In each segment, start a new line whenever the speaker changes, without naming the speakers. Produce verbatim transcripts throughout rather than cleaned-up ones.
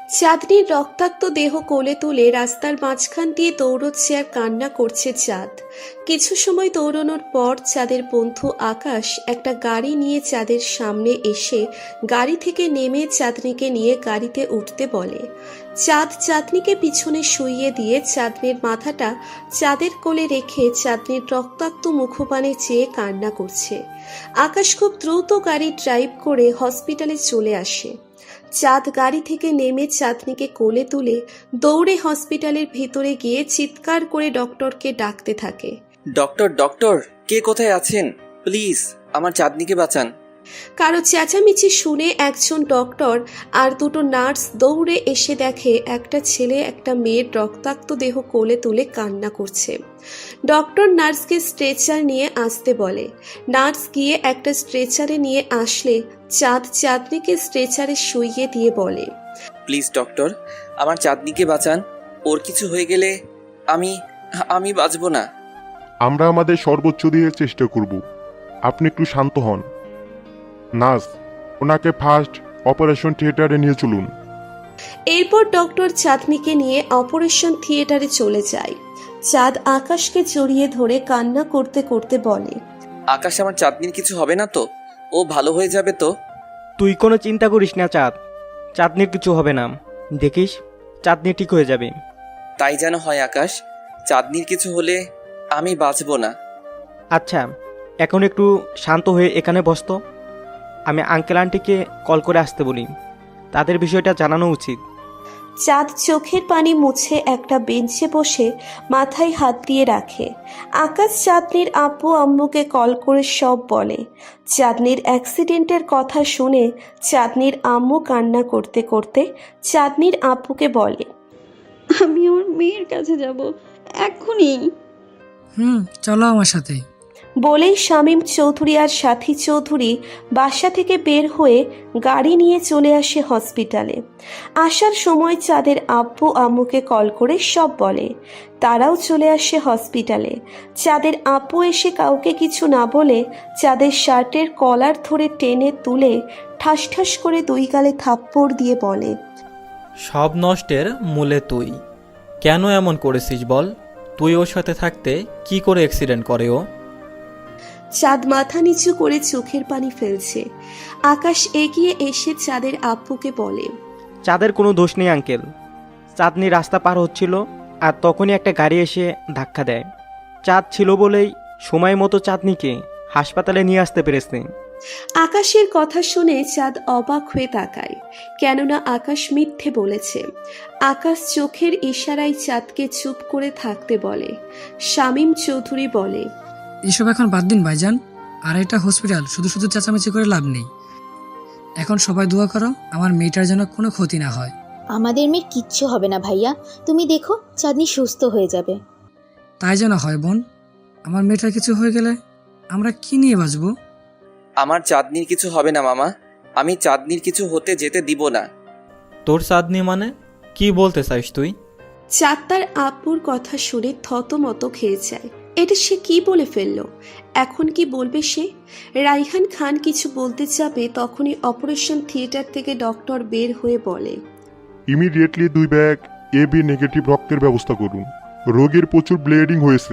চাঁদনির রক্তাক্ত দেহ কোলে তুলে রাস্তার মাঝখান দিয়ে দৌড়চ্ছে আর কান্না করছে চাঁদ। কিছু সময় দৌড়ানোর পর চাঁদের বন্ধু আকাশ একটা গাড়ি নিয়ে চাঁদের সামনে এসে গাড়ি থেকে নেমে চাঁদনিকে নিয়ে গাড়িতে উঠতে বলে। চাঁদ চাঁদনিকে পিছনে শুইয়ে দিয়ে চাঁদনির মাথাটা চাঁদের কোলে রেখে চাঁদনির রক্তাক্ত মুখপানে চেয়ে কান্না করছে। আকাশ খুব দ্রুত গাড়ি ড্রাইভ করে হসপিটালে চলে আসে। চাঁদ গাড়ি থেকে নেমে চাঁদনিকে কোলে তুলে দৌড়ে হসপিটালের ভেতরে গিয়ে চিৎকার করে ডক্টরকে ডাকতে থাকে।
ডক্টর ডক্টর কে কোথায় আছেন? প্লিজ আমার চাঁদনিকে বাঁচান।
কারো চেঁচামেচি শুনে একজন ডক্টর আর দুটো নার্স দৌড়ে এসে দেখে একটা ছেলে একটা মেয়ের রক্তাক্ত দেহ কোলে তুলে কান্না করছে। ডক্টর নার্সকে স্ট্রেচার নিয়ে আসতে বলে। নার্স গিয়ে একটা স্ট্রেচারে নিয়ে আসলে চাঁদ চাঁদনিকে স্ট্রেচারে শুইয়ে দিয়ে বলে,
প্লিজ ডক্টর আমার চাঁদনিকে বাঁচান। ওর কিছু হয়ে গেলে আমি আমি বাঁচব না।
আমরা আমাদের সর্বোচ্চ দিয়ে চেষ্টা করব, আপনি একটু শান্ত হন। নার্স, ওনাকে ফার্স্ট অপারেশন থিয়েটারে নিয়ে চলুন।
এরপর ডক্টর চাঁদনিকে নিয়ে অপারেশন থিয়েটারে চলে যায়। চাঁদ আকাশকে জড়িয়ে ধরে কান্না করতে করতে বলে,
আকাশ আমার চাঁদনির কিছু হবে না তো? ও ভালো হয়ে যাবে তো?
তুই কোনো চিন্তা করিস না চাঁদ, চাঁদনির কিছু হবে না, দেখিস চাঁদনি ঠিক হয়ে যাবে।
তাই যেন হয় আকাশ, চাঁদনির কিছু হলে আমি বাঁচব না।
আচ্ছা এখন একটু শান্ত হয়ে এখানে বসতো, আমি আঙ্কেল আন্টিকে কল করে আসতে বলি, তাদের বিষয়টা জানানো উচিত।
চাঁদ চোখের পানি মুছে একটা বেঞ্চে বসে মাথায় হাত দিয়ে রাখে। আকাশ চাঁদনির আব্বু আম্মুকে কল করে সব বলে। চাঁদনির অ্যাক্সিডেন্টের কথা শুনে চাঁদনির আম্মু কান্না করতে করতে চাঁদনির আব্বুকে বলে,
আমি আমার মেয়ের কাছে যাব এক্ষুনি।
হুম চলো আমার সাথে।
বলেই শামীম চৌধুরী আর সাথী চৌধুরী বাসা থেকে বের হয়ে গাড়ি নিয়ে চলে আসে হসপিটালে। আসার সময় চাঁদের আব্বু আম্মুকে কল করে সব বলে। তারাও চলে আসে হসপিটালে। চাঁদের আব্বু এসে কাউকে কিছু না বলে চাঁদের শার্টের কলার ধরে টেনে তুলে ঠাস ঠাস করে দুই গালে থাপ্পড় দিয়ে বলে,
সব নষ্টের মূলে তুই। কেন এমন করেছিস বল? তুই ওর সাথে থাকতে কি করে অ্যাক্সিডেন্ট করে ও?
চাঁদ মাথা নিচু করে চোখের পানি ফেলছে। আকাশ এগিয়ে এসে চাঁদের আব্বুকে বলে,
চাঁদের কোনো দোষ নেই আঙ্কেল, চাঁদনি রাস্তা পার হচ্ছিল আর তখনই একটা গাড়ি এসে ধাক্কা দেয়। চাঁদ ছিল বলেই সময় মতো চাঁদনিকে হাসপাতালে নিয়ে আসতে পেরেছে।
আকাশের কথা শুনে চাঁদ অবাক হয়ে তাকায়, কেননা আকাশ মিথ্যে বলেছে। আকাশ চোখের ইশারায় চাঁদকে চুপ করে থাকতে বলে। শামীম চৌধুরী বলে,
এসব এখন বাদ দিন ভাইজান, আর এটা হসপিটাল, শুধু শুধু চেঁচামেচি করে লাভ নেই। এখন সবাই দোয়া করো আমার মেয়েটার যেন কোনো ক্ষতি না হয়।
আমাদের মেয়ের কিচ্ছু হবে না ভাইয়া, তুমি দেখো চাঁদনি সুস্থ হয়ে যাবে।
তাই যেন হয় বোন, আমার মেয়েটার কিছু হয়ে গেলে আমরা কি নিয়ে বাঁচবো?
আমার চাঁদনির কিছু হবে না মামা, আমি চাঁদনির কিছু হতে যেতে দিব না।
তোর চাঁদনি মানে কি বলতে চাইস তুই?
চাঁদ তার আব্বুর কথা শুনে থতমত খেয়ে যায়। এটা সে কি বলে ফেললো? এখন কি বলবে সে? রাইহান খান কিছু বলতে যাবে তখনই অপারেশন থিয়েটার থেকে ডক্টর বের হয়ে বলে,
ইমিডিয়েটলি দুই ব্যাগ এ বি নেগেটিভ রক্তের ব্যবস্থা করুন, রোগীর প্রচুর ব্লিডিং হয়েছে।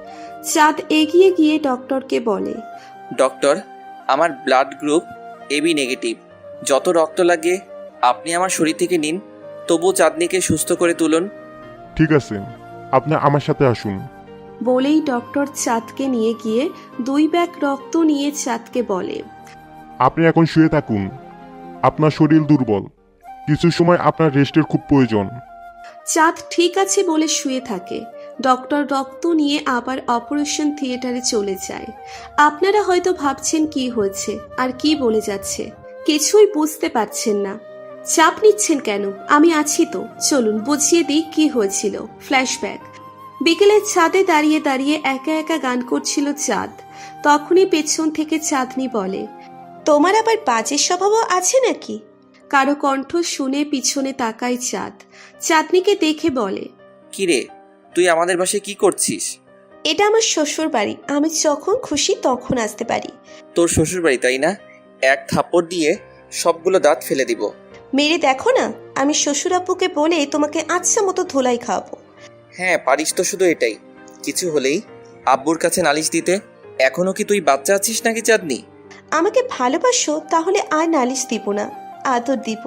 চাঁদ এগিয়ে গিয়ে ডক্টরকে বলে,
ডক্টর আমার ব্লাড গ্রুপ এবি নেগেটিভ, যত রক্ত লাগে আপনি আমার শরীর থেকে নিন, তবু চাঁদনিকে সুস্থ করে তুলুন।
ঠিক আছে, আপনি আমার সাথে আসুন।
বলেই ডক্টর চাঁদকে নিয়ে গিয়ে দুই ব্যাগ রক্ত নিয়ে চাঁদকে বলে,
আপনি এখন শুয়ে থাকুন, আপনার শরীর দুর্বল, কিছু সময় আপনার রেস্টের খুব প্রয়োজন।
চাঁদ ঠিক আছে বলে শুয়ে থাকে। ডক্টর রক্ত নিয়ে আবার অপারেশন থিয়েটারে চলে যায়। আপনারা হয়তো ভাবছেন কি হয়েছে আর কি বলে যাচ্ছে, কিছুই বুঝতে পারছেন না। চাপ নিচ্ছেন কেন? আমি আছি তো, চলুন বুঝিয়ে দিই কি হয়েছিল। ফ্ল্যাশব্যাক। বিকেলে ছাদে দাঁড়িয়ে দাঁড়িয়ে একা একা গান করছিল চাঁদ। তখনই পেছন থেকে চাঁদনি বলে, তোমার আবার বাজে স্বভাবও আছে নাকি? কারো কণ্ঠ শুনে পিছনে তাকায় চাঁদ। চাঁদনিকে দেখে বলে,
কিরে তুই আমাদের বাসায় কি করছিস?
এটা আমার শ্বশুর বাড়ি, আমি যখন খুশি তখন আসতে পারি।
তোর শ্বশুর বাড়ি তাই না? এক থাপ্পড় দিয়ে সবগুলো দাঁত ফেলে দিব।
মেরে দেখো না, আমি শ্বশুর আব্বুকে বলে তোমাকে আচ্ছা মতো ধোলাই খাওয়াবো।
হ্যাঁ পারিস তো, শুধু এটাই। কিছু হলেই আব্বুর কাছে নালিশ দিতে। এখনো কি তুই বাচ্চা আছিস নাকি চাঁদনি?
আমাকে ভালোবাসো তাহলে আর নালিশ দিব না, আদর দিব।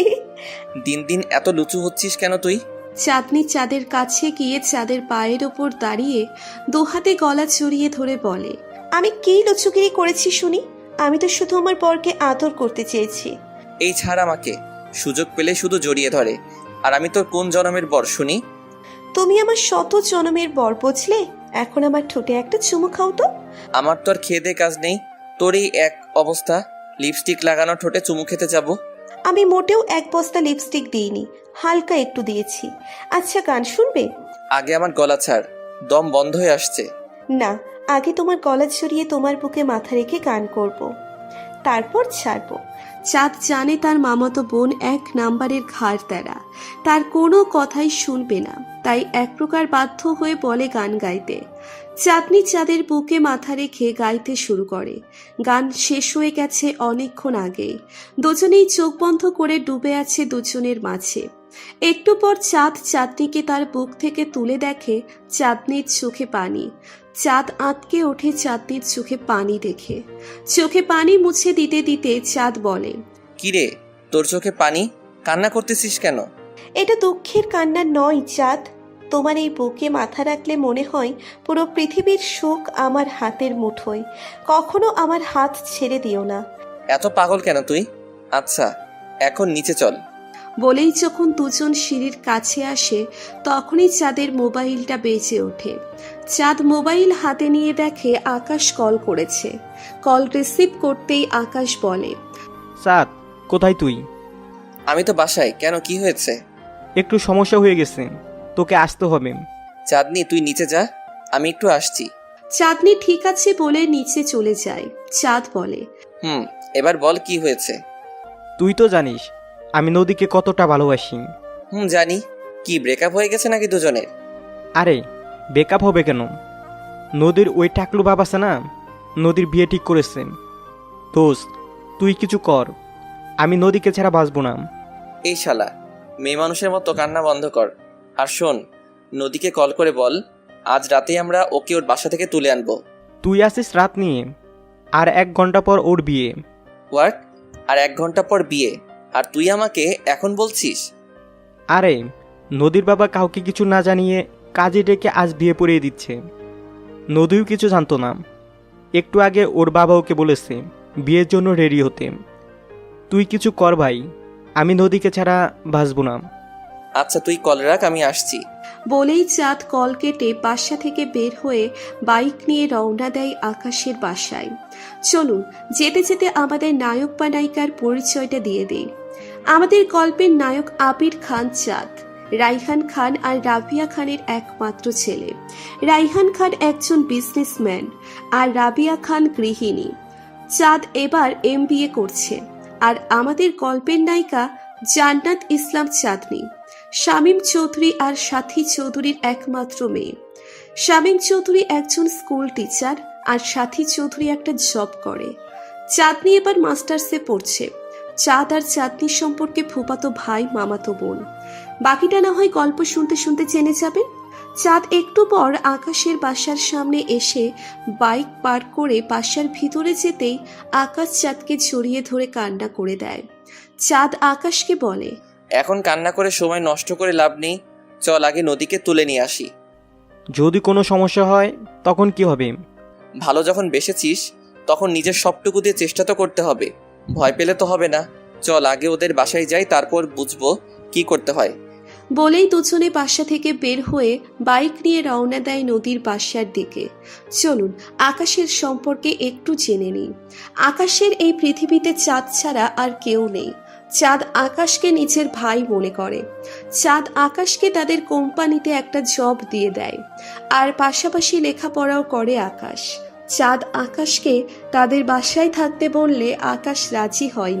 দিন দিন এত লুচু হচ্ছিস কেন তুই?
চাঁদনি চাঁদের কাছে গিয়ে চাঁদের পায়ের ওপর দাঁড়িয়ে দুহাতে গলা জড়িয়ে ধরে বলে, আমি কি লুচুগিরি করেছি শুনি? আমি তো শুধু আমার বরকে আদর করতে চেয়েছি।
এই ছাড় আমাকে, সুযোগ পেলে শুধু জড়িয়ে ধরে। আর আমি তোর কোন জনমের বর শুনি?
তুমি আমার শত জনমের বর বুঝলে? এখন আমার ঠোঁটে একটা চুমু খাও তো।
আমার তো আর খেয়ে দে কাজ নেই। তোর এই এক অবস্থা, লিপস্টিক লাগানো ঠোঁটে চুমু খেতে যাব?
আমি মোটেও এক বস্তা লিপস্টিক দিইনি, হালকা একটু দিয়েছি। আচ্ছা গান শুনবে?
আগে আমার গলা ছাড়, দম বন্ধ হয়ে আসছে।
না, আগে তোমার গলা ছড়িয়ে তোমার বুকে মাথা রেখে গান করব, তারপর ছাড়বো। চাঁদ জানে তার মামাতো বোন এক নাম্বারের ঘাড় তেরা, তার কোনো কথাই শুনবে না, তাই এক প্রকার বাধ্য হয়ে বলে গান গাইতে। চাঁদনি চাঁদের বুকে মাথা রেখে গাইতে শুরু করে। গান শেষ হয়ে গেছে অনেকক্ষণ আগেই। দুজনেই চোখ বন্ধ করে ডুবে আছে দুজনের মাঝে। একটু পর চাঁদ চাঁদনিকে তার বুক থেকে তুলে দেখে চাঁদনির চোখে পানি। চাঁদ আঁতকে ওঠে চাঁদনির চোখে পানি দেখে। চোখে পানি মুছে দিতে দিতে চাঁদ বলে,
কিরে, তোর চোখে পানি? কান্না করতেছিস কেন?
এটা দুঃখের কান্না নয় চাঁদ, তোমার এই বুকে মাথা রাখলে মনে হয় পুরো পৃথিবীর সুখ আমার হাতের মুঠোয়। কখনো আমার হাত ছেড়ে দিও না।
এত পাগল কেন তুই? আচ্ছা এখন নিচে চল।
বলেই যখন দুজন সিঁড়ির কাছে আসে তখনই চাঁদের মোবাইলটা বেজে ওঠে। চাঁদ মোবাইল হাতে নিয়ে দেখে আকাশ কল করেছে। কল রিসিভ করতেই আকাশ বলে,
চাঁদ, কোথায় তুই?
আমি তো বাসায়। কেন, কি হয়েছে?
একটু সমস্যা হয়ে গেছে, তোকে আসতে হবে।
চাঁদনি তুই নিচে যা, আমি একটু আসছি।
চাঁদনি ঠিক আছে বলে নিচে চলে যায়। চাঁদ বলে,
হুম, এবার বল কি হয়েছে।
তুই তো জানিস আমি নদীকে কতটা ভালোবাসি।
হুম জানি। কি ব্রেকআপ হয়ে গেছে নাকি দুজনের?
আরে বেকআপ হবে কেন? নদীর ওই টাকলু বাবা আছে না, নদীর বিয়ে ঠিক করেছে। দোস্ত, তুই কিছু কর, আমি নদীকে ছাড়া বাঁচবো না।
এই শালা, মেয়ে মানুষের মতো কান্না বন্ধ কর। আর শোন, নদীকে কল করে বল আজ রাতেই আমরা ওকে ওর বাসা থেকে তুলে আনবো।
তুই আসিস রাত নিয়ে, আর এক ঘন্টা পর ওর বিয়ে।
হোয়াট? আর এক ঘন্টা পর বিয়ে? আর তুই আমাকে এখন বলছিস?
আরে নদীর বাবা কাউকে কিছু না জানিয়ে কাজে ডেকে আজ বিয়ে পড়িয়ে দিচ্ছে। নদীও কিছু জানতো না। একটু আগে ওর বাবা ওকে বলেছে বিয়ের জন্য রেডি হতে। তুই কিছু কর ভাই, আমি নদীকে ছাড়া বাঁচবো না।
আচ্ছা তুই কল রাখ, আমি আসছি।
বলেই চাঁদ কল কেটে বাসা থেকে বের হয়ে বাইক নিয়ে রওনা দেয় আকাশের বাসায়। চলুন যেতে যেতে আমাদের নায়ক বা নায়িকার পরিচয়টা দিয়ে দিই। আমাদের গল্পের নায়ক আবির খান চাঁদ, রাইহান খান আর রাবিয়া খানের একমাত্র ছেলে। রাইহান খান একজন বিজনেসম্যান আর রাবিয়া খান গৃহিণী। চাঁদ এবার এম বি এ করছে। আর আমাদের গল্পের নায়িকা জান্নাত ইসলাম চাঁদনি, শামীম চৌধুরী আর সাথী চৌধুরীর একমাত্র মেয়ে। শামীম চৌধুরী একজন স্কুল টিচার আর সাথী চৌধুরী একটা জব করে। চাঁদনি এবার মাস্টার্সে পড়ছে। চাঁদ আর চাঁদনির সম্পর্কে ফুফাতো ভাই মামাতো বোন। বাকিটা না হয় গল্প শুনতে শুনতে জেনে যাবেন। চাঁদ একটু পর আকাশের বাসার সামনে এসে বাইক পার করে বাসার ভিতরে যেতেই আকাশ চাঁদকে জড়িয়ে ধরে কান্না করে দেয়। চাঁদ আকাশকে বলে,
এখন কান্না করে সময় নষ্ট করে লাভ নেই, চল আগে নদীকে তুলে নিয়ে আসি।
যদি কোনো সমস্যা হয় তখন কি হবে?
ভালো যখন বেসেছিস তখন নিজের সবটুকু দিয়ে চেষ্টা তো করতে হবে, ভয় পেলে তো হবে না। চল আগে ওদের বাসায় যাই, তারপর বুঝবো কি করতে হয়।
বলেই দুজনে বাসা থেকে বের হয়ে বাইক নিয়ে রওনা দেয় নদীর বাসার দিকে। চলুন আকাশের সম্পর্কে একটু জেনে নিই। আকাশের এই পৃথিবীতে চাঁদ ছাড়া আর কেউ নেই। চাঁদ আকাশকে নিজের ভাই মনে করে। চাঁদ আকাশকে তাদের কোম্পানিতে একটা জব দিয়ে দেয়, আর পাশাপাশি লেখাপড়াও করে আকাশ। চাঁদ আকাশকে তাদের বাসায় থাকতে বললে আকাশ রাজি হয় না,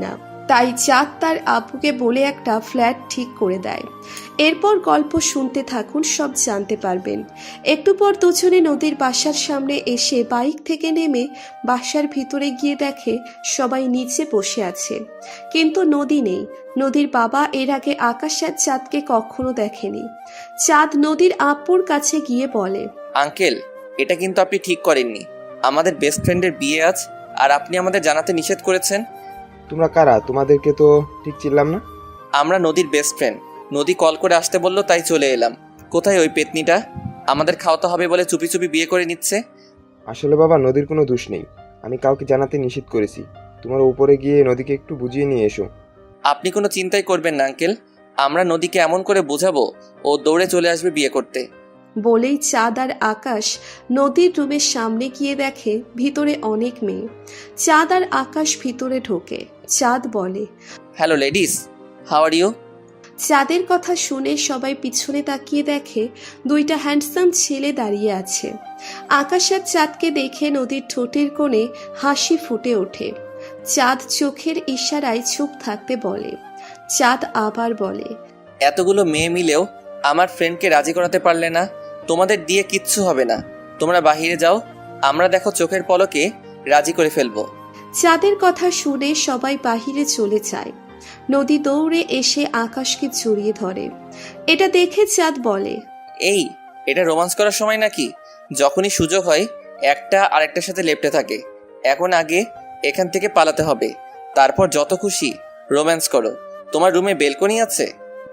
তাই চাঁদ তার আপুকে বলে একটা ফ্ল্যাট ঠিক করে দেয়। এরপর গল্প শুনতে থাকুন, সব জানতে পারবেন। একটু পর দুজনে নদীর বাসার সামনে এসে বাইক থেকে নেমে বাসার ভিতরে গিয়ে দেখে সবাই নিচে বসে আছে, কিন্তু নদী নেই। নদীর বাবা এর আগে আকাশ আর চাঁদকে কখনো দেখেনি। চাঁদ নদীর আপুর কাছে গিয়ে বলে,
আঙ্কেল, এটা কিন্তু আপনি ঠিক করেননি। আমাদের বেস্ট ফ্রেন্ডের বিয়ে আজ, আর আপনি আমাদের জানাতে নিষেধ করেছেন।
তোমরা কারা? তোমাদেরকে তো ঠিক চিনলাম না।
আমরা নদীর বেস্ট ফ্রেন্ড। নদী কল করে আসতে বললো, তাই চলে এলাম। কোথায় ওই পেতনিটা? আমাদের খাওয়াতে হবে বলে চুপি চুপি বিয়ে করে নিচ্ছে।
আসলে বাবা, নদীর কোনো দোষ নেই। আমি কাউকে জানাতে নিষেধ করেছি। তোমার উপরে গিয়ে নদীকে একটু বুঝিয়ে নিয়ে এসো।
আপনি কোনো চিন্তাই করবেন না আঙ্কেল, আমরা নদীকে এমন করে বোঝাবো ও দৌড়ে চলে আসবে বিয়ে করতে।
বলেই চাঁদ আর আকাশ নদীর রুমের সামনে গিয়ে দেখে ভিতরে অনেক মেয়ে। চাঁদ আর আকাশ ভিতরে ঢোকে। চাঁদ বলে,
hello ladies, how are you?
চাঁদের কথা শুনে সবাই পিছনে তাকিয়ে দেখে দুইটা হ্যান্ডসাম ছেলে দাঁড়িয়ে আছে। আকাশ আর চাঁদকে দেখে নদীর ঠোঁটের কোণে হাসি ফুটে ওঠে। চাঁদ চোখের ইশারায় চুপ থাকতে বলে। চাঁদ আবার বলে,
এতগুলো মেয়ে মিলেও আমার ফ্রেন্ডকে রাজি করাতে পারলে না। তোমাদের দিয়ে কিচ্ছু হবে না, তোমরা বাহিরে যাও, আমরা দেখো চোখের পলকে রাজি করে ফেলবো।
চাঁদের কথা শুনে সবাই বাহিরে চলে যায়। নদী দৌড়ে এসে আকাশকে জড়িয়ে ধরে। এটা দেখে চাঁদ বলে,
এই, এটা রোমান্স করার সময় নাকি? যখনই সুযোগ হয় একটা আরেকটার সাথে লেপ্টে থাকে। এখন আগে এখান থেকে পালাতে হবে, তারপর যত খুশি রোম্যান্স করো। তোমার রুমে বেলকনি আছে?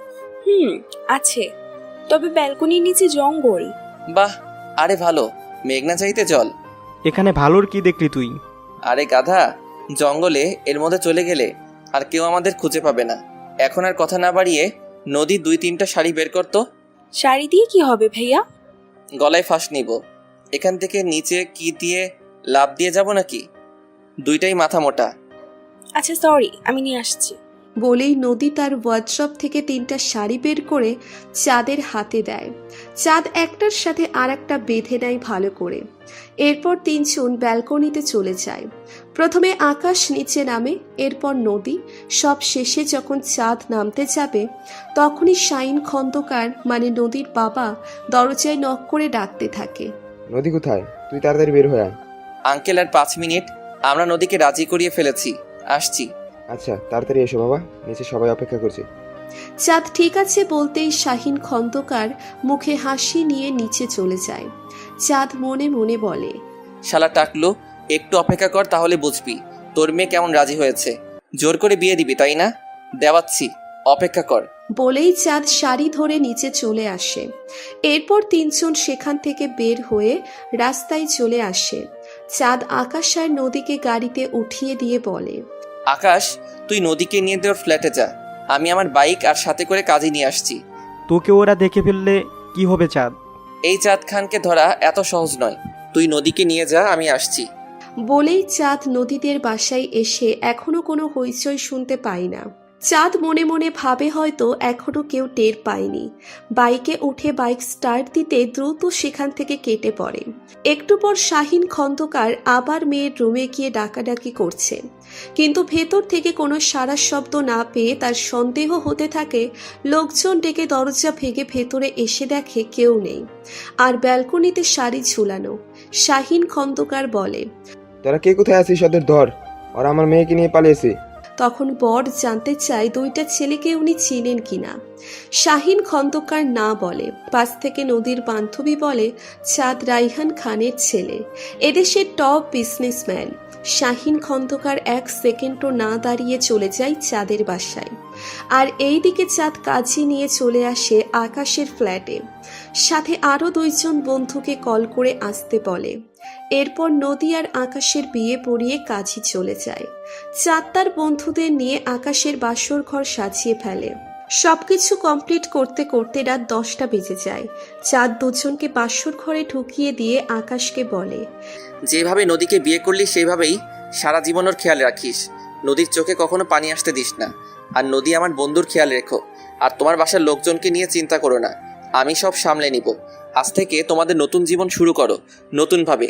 হুম, আছে, তবে ব্যালকনির নিচে জঙ্গল।
বাহ, আরে ভালো, মেঘনা চাইতে জল।
এখানে ভালোর কি দেখলি তুই?
আরে গাধা, জঙ্গলে এর মধ্যে চলে গেলে আর কেউ আমাদের খুঁজে পাবে না। এখন আর কথা না বাড়িয়ে নদী দুই তিনটা শাড়ি বের করতো।
শাড়ি দিয়ে কি হবে ভাইয়া?
গলায় ফাঁস নিব। এখান থেকে নিচে কি দিয়ে লাফ দিয়ে যাব নাকি? দুইটাই মাথা মোটা।
আচ্ছা সরি, আমি নিয়ে আসছি।
বলেই নদী তার ওয়ার্ড্রপ থেকে তিনটা শাড়ি বের করে চাঁদের হাতে দেয়। চাঁদ একটার সাথে আর একটা বেঁধে নেয় ভালো করে। এরপর তিনজন ব্যালকনিতে চলে যায়। প্রথমে আকাশ নিচে নামে, এরপর নদী। সব শেষে যখন চাঁদ নামতে যাবে তখনই শাইন খন্দকার মানে নদীর বাবা দরজায় নক করে ডাকতে থাকে।
নদী কোথায়? তুই তাড়াতাড়ি বের হয়ে আয়।
আঙ্কেল, আর পাঁচ মিনিট, আমরা নদীকে রাজি করিয়ে ফেলেছি, আসছি।
আচ্ছা, তাড়াতাড়ি এসো বাবা, নিচে সবাই অপেক্ষা করছে।
চাঁদ ঠিক আছে বলতেই শাহিন খন্দকার মুখে হাসি নিয়ে নিচে চলে যায়। চাঁদ মনে মনে বলে,
শালা টাকলু, একটু অপেক্ষা কর, তাহলে বুঝবি তোর মেয়ে কেমন রাজি হয়েছে। জোর করে বিয়ে দিবি তাই না? দেওয়াচ্ছি, অপেক্ষা কর।
বলেই চাঁদ শাড়ি ধরে নিচে চলে আসে। এরপর তিনজন সেখান থেকে বের হয়ে রাস্তায় চলে আসে। চাঁদ আকাশ আর নদীকে গাড়িতে উঠিয়ে দিয়ে বলে,
আকাশ, তুই নদীকে নিয়ে তোর ফ্ল্যাটে যা, আমি আমার বাইক আর সাথে করে কাজে নিয়ে আসছি।
তোকে ওরা দেখে ফেললে কি হবে চাঁদ?
এই চাঁদ খানকে ধরা এত সহজ নয়, তুই নদীকে নিয়ে যা, আমি আসছি।
বলেই চাঁদ নদীদের বাসায় এসে এখনো কোনো হইচই শুনতে পায় না। চাঁদ মনে মনে ভাবে হয়তো এখনো কেউ টের পায়নি। বাইকে উঠে বাইক স্টার্ট দিতে দ্রুত সেখান থেকে কেটে পড়ে। একটু পর শাহিন খন্দকার আবার মেয়ের রুমে গিয়ে ডাকাডাকি করছে, কিন্তু ভেতর থেকে কোনো সাড়া শব্দ না পেয়ে তার সন্দেহ হতে থাকে। লোকজন ডেকে দরজা ভেঙে ভেতরে এসে দেখে কেউ নেই, আর ব্যালকনিতে শাড়ি ঝুলানো। শাহিন খন্দকার বলে,
তোরা কে কোথায় আছিস? ওদের ধর, ওরা আমার মেয়েকে নিয়ে পালিয়েছে।
তখন বর জানতে চায় দুইটা ছেলেকে উনি চিনেন কিনা। শাহিন খন্দকার না বলে। পাশ থেকে নদীর বান্ধবী বলে, চাঁদ রাইহান খানের ছেলে, এদেশের টপ বিজনেসম্যান। শাহিন খন্দকার এক সেকেন্ডও না দাঁড়িয়ে চলে যায় চাঁদের বাসায়। আর এই দিকে চাঁদ কাজী নিয়ে চলে আসে আকাশের ফ্ল্যাটে। সাথে আরও দুইজন বন্ধুকে কল করে আসতে বলে। এরপর নদী আর আকাশের বিয়ে পড়িয়ে কাজী চলে যায়। চাঁদ তার বন্ধুদের নিয়ে আকাশের বাসর ঘর সাজিয়ে ফেলে। সবকিছু কমপ্লিট করতে করতে রাত দশটা বেজে যায়। চাঁদ দুজনকে বাসর ঘরে ঢুকিয়ে দিয়ে আকাশকে বলে,
যেভাবে নদীকে বিয়ে করলি সেইভাবেই সারা জীবন ওর খেয়াল রাখিস। নদীর চোখে কখনো পানি আসতে দিস না। আর নদী আমার বন্ধুর খেয়াল রেখো। আর তোমার বাসার লোকজনকে নিয়ে চিন্তা করো না, আমি সব সামলে নিব। আজ থেকে তোমাদের নতুন জীবন শুরু করো নতুনভাবে।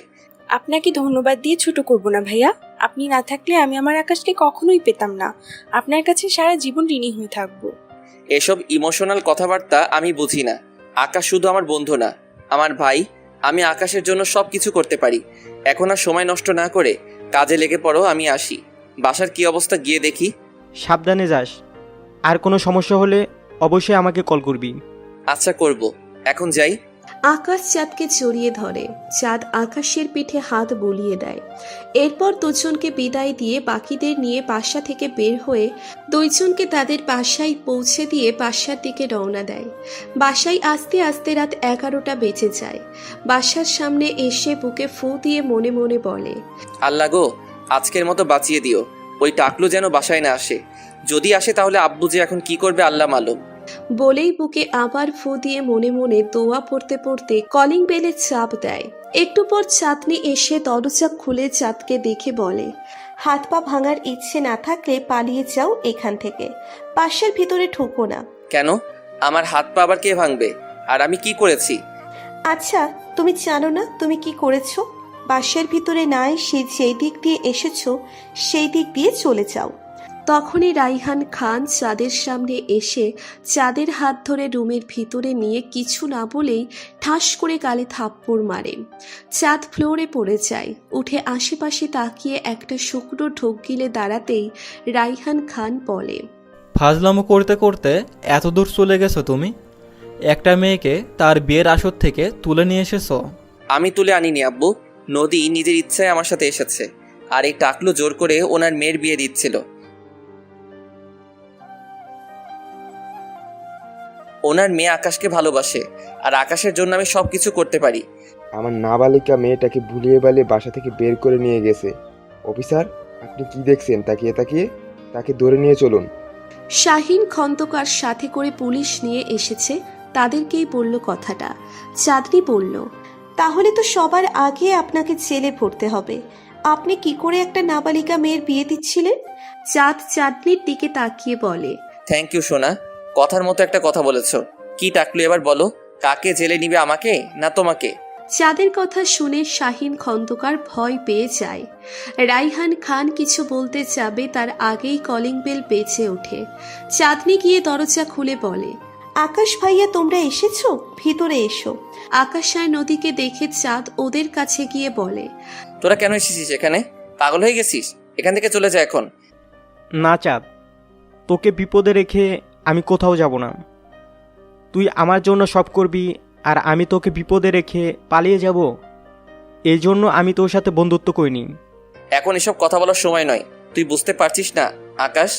আপনাকে ধন্যবাদ দিয়ে ছোট করব না ভাইয়া। আপনি না থাকলে আমি আমার আকাশকে কখনোই পেতাম না। আপনার কাছে সারা জীবন ঋণী হয়ে থাকবো।
এসব ইমোশনাল কথাবার্তা আমি বুঝি না। আকাশ শুধু আমার বন্ধু না, আমার ভাই। আমি আকাশের জন্য সব কিছু করতে পারি। এখন আর সময় নষ্ট না করে কাজে লেগে পড়ো, আমি আসি। বাসার কি অবস্থা গিয়ে দেখি।
সাবধানে যাস, আর কোনো সমস্যা হলে অবশ্যই আমাকে কল করবি।
আচ্ছা করব, এখন যাই।
আকাশ চাঁদকে জড়িয়ে ধরে। চাঁদ আকাশের পিঠে হাত বুলিয়ে দেয়। এরপর দুজনকে বিদায় দিয়ে বাকিদের নিয়ে বাসা থেকে বের হয়ে দুইজনকে তাদের বাসায় পৌঁছে দিয়ে বাসার দিকে রওনা দেয়। বাসায় আসতে আসতে রাত এগারোটা বেজে যায়। বাসার সামনে এসে বুকে ফু দিয়ে মনে মনে বলে,
আল্লাহ গো, আজকের মতো বাঁচিয়ে দিও। ওই টাকলু যেন বাসায় না আসে। যদি আসে তাহলে আব্বু যে এখন কি করবে আল্লাহ মালুম।
বলেই বুকে আবার ফু দিয়ে মনে মনে দোয়া পড়তে পড়তে কলিং বেলে চাপ দেয়। একটু পর চাঁদনি এসে দরজা খুলে চাঁদকে দেখে বলে, হাত পা ভাঙার ইচ্ছে না থাকলে পালিয়ে যাও এখান থেকে, বাসার ভিতরে ঢুকো না।
কেন? আমার হাত পা আবার কে ভাঙবে? আর আমি কি করেছি?
আচ্ছা, তুমি জানো না তুমি কি করেছো? বাসার ভিতরে না এসে যেই দিক দিয়ে এসেছো সেই দিক দিয়ে চলে যাও। তখনই রাইহান খান চাঁদের সামনে এসে চাঁদের হাত ধরে রুমের ভিতরে নিয়ে কিছু না বলেই ঠাস করে গালে থাপ্পড় মারে। চাঁদ ফ্লোরে পড়ে যায়। উঠে আশেপাশে তাকিয়ে একটা শুকনো ঢোক গিলে দাঁড়াতেই রাইহান খান বলে,
ফাজলামো করতে করতে এত দূর চলে গেছো তুমি? একটা মেয়েকে তার বিয়ের আসর থেকে তুলে নিয়ে এসেছো?
আমি তুলে আনিনি আব্বু। নদী নিজের ইচ্ছায় আমার সাথে এসেছে। আর এই টাকলু জোর করে ওনার মেয়ের বিয়ে দিচ্ছিল। ওনার মেয়ে আকাশকে ভালোবাসে, আর আকাশের জন্য আমি সব কিছু করতে পারি।
আমার নাবালিকা মেয়েটাকে ভুলিয়ে বালিয়ে বাসা থেকে বের করে নিয়ে গেছে। অফিসার, আপনি কি দেখছেন তাকিয়ে তাকিয়ে? তাকে ধরে নিয়ে চলুন।
শাহিন খন্দকার সাথে করে পুলিশ নিয়ে এসেছে, তাদেরকেই বলল কথাটা। চাঁদনি বলল, তাহলে তো সবার আগে আপনাকে জেলে ভরতে হবে। আপনি কি করে একটা নাবালিকা মেয়ের বিয়ে দিচ্ছিলেন? চাঁদ চাঁদনির দিকে তাকিয়ে বলে,
থ্যাংক ইউ সোনা, কথার মতো একটা কথা বলেছ। কি টাকলু এবার বলো, কাকে জেলে নিবে, আমাকে না তোমাকে?
চাঁদের কথা শুনে শাহিন খন্দকার ভয় পেয়ে যায়। রাইহান খান কিছু বলতে যাবে তার আগেই কলিং বেল বেজে ওঠে। চাঁদনি গিয়ে দরজা খুলে বলে, আকাশ ভাইয়া তোমরা এসেছো, ভিতরে এসো। আকাশ আর নদীকে দেখে চাঁদ ওদের কাছে গিয়ে বলে,
তোরা কেন এসেছিস এখানে? পাগল হয়ে গেছিস? এখান থেকে চলে যা এখন।
না চাঁদ, তোকে বিপদে রেখে আমি কোথাও যাব না। তুই আমার জন্য সব করবি, আর আমি তোকে বিপদে রেখে পালিয়ে যাব? এই জন্য আমি তোর সাথে বন্ধুত্ব করিনি।
এখন এসব কথা বলার সময় নয়। তুই বুঝতে পারছিস না আকাশ?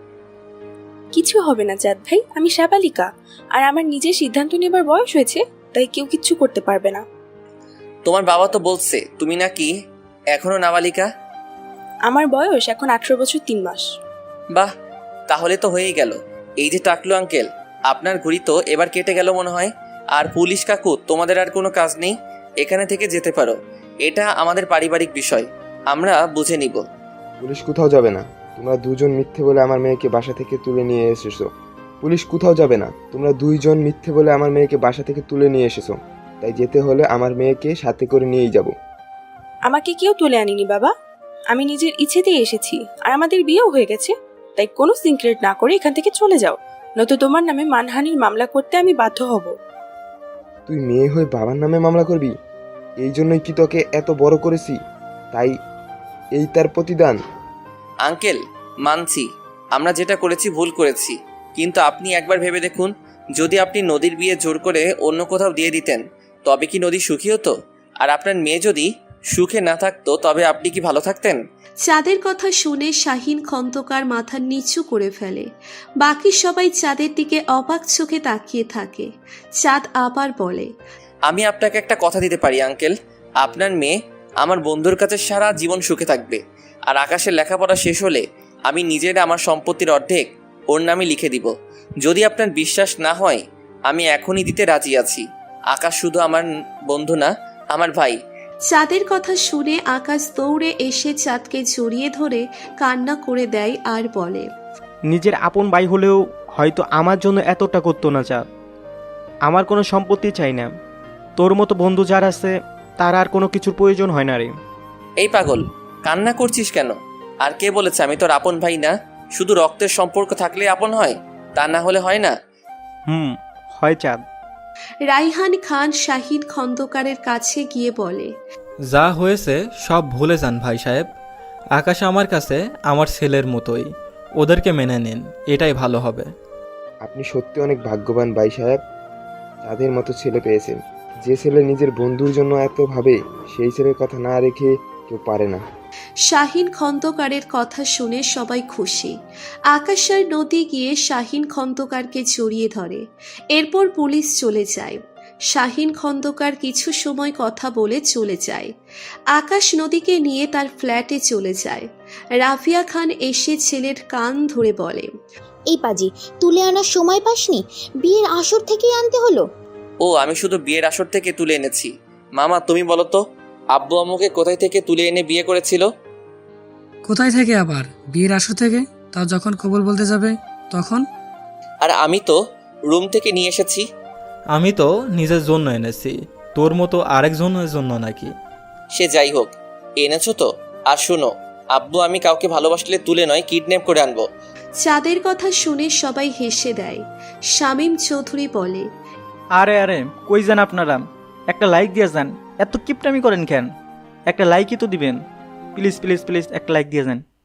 কিছু হবে না চাঁদ ভাই, আমি সাবালিকা, আর আমার নিজের সিদ্ধান্ত নেবার বয়স হয়েছে, তাই কেউ কিচ্ছু করতে পারবে না।
তোমার বাবা তো বলছে তুমি নাকি এখনো নাবালিকা।
আমার বয়স এখন আঠারো বছর তিন মাস।
বাহ, তাহলে তো হয়েই গেল। এই যে টাকলু আঙ্কেল, আপনার ঘড়ি তো এবার কেটে গেল মনে হয়। আর পুলিশ কাকু, তোমাদের আর কোনো কাজ নেই, এখানে থেকে যেতে পারো। এটা আমাদের পারিবারিক বিষয়, আমরা বুঝে নিব।
পুলিশ কোথাও যাবে না। তোমরা দুজন মিথ্যে বলে আমার মেয়েকে বাসা থেকে তুলে নিয়ে এসেছো। পুলিশ কোথাও যাবে না। তোমরা দুইজন মিথ্যে বলে আমার মেয়েকে বাসা থেকে তুলে নিয়ে এসেছো। তাই যেতে হলে আমার মেয়েকে সাথে করে নিয়েই যাব।
আমাকে কেউ তুলে আনিনি বাবা, আমি নিজের ইচ্ছেতেই এসেছি, আর আমাদের বিয়েও হয়ে গেছে। তাই কোনো সিক্রেট না করে এখান থেকে চলে যাও, নয়তো তোমার নামে মানহানির মামলা করতে আমি বাধ্য হব।
তুই মেয়ে হয়ে বাবার নামে মামলা করবি? এই জন্যই কি তোকে এত বড় করেছি? তাই এই তার প্রতিদান?
আঙ্কেল, মানছি আমরা যেটা করেছি ভুল করেছি, কিন্তু আপনি একবার ভেবে দেখুন, যদি আপনি নদীর বিয়ে জোর করে অন্য কোথাও দিয়ে দিতেন, তবে কি নদী সুখী হতো? আর আপনার মেয়ে যদি সুখে না থাকতো, তবে আপনি কি ভালো থাকতেন?
চাঁদের কথা শুনে শাহিন খন্দকার মাথা নিচু করে ফেলে। বাকি সবাই চাঁদের দিকে অবাক চোখে তাকিয়ে থাকে। চাঁদ আবার বলে,
আমি আপনাকে একটা কথা দিতে পারি আঙ্কেল, আপনার মেয়ে আমার বন্ধুর কাছে সারা জীবন সুখে থাকবে। আর আকাশের লেখাপড়া শেষ হলে আমি নিজের আমার সম্পত্তির অর্ধেক ওর নামে লিখে দিব। যদি আপনার বিশ্বাস না হয়, আমি এখনই দিতে রাজি আছি। আকাশ শুধু আমার বন্ধু না, আমার ভাই।
চাঁদের কথা শুনে আকাশ দৌড়ে এসে চাঁদকে জড়িয়ে ধরে কান্না করে দেয় আর বলে,
নিজের আপন ভাই হলেও হয়তো আমার জন্য এতটা করতো না চাঁদ। আমার কোনো সম্পত্তি চাই না। তোর মতো বন্ধু যার আছে তার আর কোনো কিছুর প্রয়োজন হয় না রে।
এই পাগল, কান্না করছিস কেন? আর কে বলেছে আমি তোর আপন ভাই না? শুধু রক্তের সম্পর্ক থাকলে আপন হয়, তা না হলে হয় না।
হুম, হয় চাঁদ।
রাইহান খান শাহিন খন্দকারের কাছে গিয়ে বলে,
যা হয়েছে সব ভুলে যান ভাই সাহেব। আকাশ আমার কাছে আমার ছেলের মতোই, ওদেরকে মেনে নিন, এটাই ভালো হবে।
আপনি সত্যি অনেক ভাগ্যবান ভাই সাহেব, তাদের মতো ছেলে পেয়েছেন। যে ছেলে নিজের বন্ধুর জন্য এত ভাবে, সেই ছেলের কথা না রেখে কেউ পারে না।
শাহিন খন্দকারের কথা শুনে সবাই খুশি। আকাশ আর নদী গিয়ে শাহিন খন্দকারকে জড়িয়ে ধরে। এরপর পুলিশ চলে যায়। শাহিন খন্দকার কিছু সময় কথা বলে চলে যায়। আকাশ নদীকে নিয়ে তার ফ্ল্যাটে চলে যায়। রাফিয়া খান এসে ছেলের কান ধরে বলে,
এই পাজি, তুলে আনার সময় পাসনি? বিয়ের আসর থেকেই আনতে হলো।
ও, আমি শুধু বিয়ের আসর থেকে তুলে এনেছি। মামা তুমি বলো তো, আব্বু আম্মুকে কোথায় থেকে তুলে এনে বিয়ে করেছিল?
কোথায় থেকে আবার? বিয়ের আসর থেকে। তাও যখন কবুল বলতে যাবে তখন।
আর আমি তো রুম থেকে নিয়ে এসেছি।
আমি তো নিজের জন্য এনেছি, তোর মতো আরেকজনের জন্য নাকি?
সে যাই হোক, এনেছো তো। আর শুনো, আব্বু আমি কাউকে ভালোবাসলে তুলে নয়, কিডন্যাপ করে আনবো।
চাঁদের কথা শুনে সবাই হেসে দেয়। শামীম চৌধুরী বলে,
আরে আরে কই যান আপনারা? একটা লাইক দিয়ে যান, এত কিপটামি করেন কেন? একটা লাইকই তো দিবেন, প্লিজ প্লিজ প্লিজ একটা লাইক দিয়ে যান।